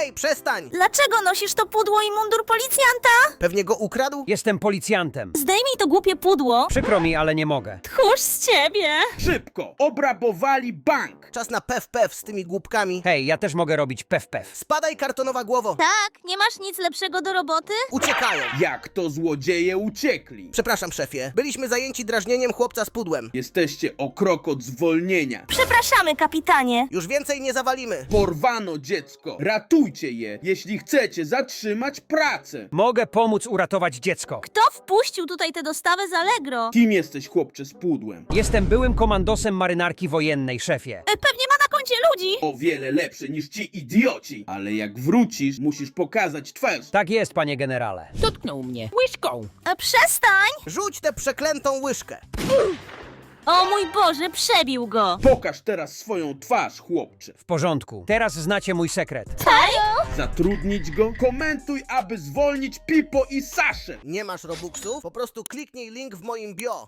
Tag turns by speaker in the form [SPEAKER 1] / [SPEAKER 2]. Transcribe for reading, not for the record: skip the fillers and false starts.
[SPEAKER 1] Hej, przestań!
[SPEAKER 2] Dlaczego nosisz to pudło i mundur policjanta?
[SPEAKER 1] Pewnie go ukradł?
[SPEAKER 3] Jestem policjantem.
[SPEAKER 2] Zdejmij to głupie pudło.
[SPEAKER 3] Przykro mi, ale nie mogę.
[SPEAKER 2] Tchórz z ciebie.
[SPEAKER 4] Szybko! Obrabowali bank!
[SPEAKER 1] Czas na pew z tymi głupkami.
[SPEAKER 3] Hej, ja też mogę robić pew.
[SPEAKER 1] Spadaj, kartonowa głowo.
[SPEAKER 2] Tak, nie masz nic lepszego do roboty?
[SPEAKER 1] Uciekają.
[SPEAKER 4] Jak to złodzieje uciekli?
[SPEAKER 1] Przepraszam, szefie. Byliśmy zajęci drażnieniem chłopca z pudłem.
[SPEAKER 4] Jesteście o krok od zwolnienia.
[SPEAKER 2] Przepraszamy, kapitanie.
[SPEAKER 1] Już więcej nie zawalimy.
[SPEAKER 4] Porwano dziecko. Ratujcie je, jeśli chcecie zatrzymać pracę.
[SPEAKER 3] Mogę pomóc uratować dziecko.
[SPEAKER 2] Kto wpuścił tutaj tę dostawę z Allegro?
[SPEAKER 4] Kim jesteś, chłopcze z pudłem?
[SPEAKER 3] Jestem byłym komandosem marynarki wojennej, szefie.
[SPEAKER 2] Pewnie ma na koncie ludzi.
[SPEAKER 4] O wiele lepsze niż ci idioci. Ale jak wrócisz, musisz pokazać twarz.
[SPEAKER 3] Tak jest, panie generale.
[SPEAKER 5] Dotknął mnie łyżką.
[SPEAKER 2] Przestań.
[SPEAKER 1] Rzuć tę przeklętą łyżkę.
[SPEAKER 2] O mój Boże, przebił go.
[SPEAKER 4] Pokaż teraz swoją twarz, chłopcze.
[SPEAKER 3] W porządku. Teraz znacie mój sekret.
[SPEAKER 4] Zatrudnić go? Komentuj, aby zwolnić Pipo i Saszę.
[SPEAKER 1] Nie masz robuxów? Po prostu kliknij link w moim bio.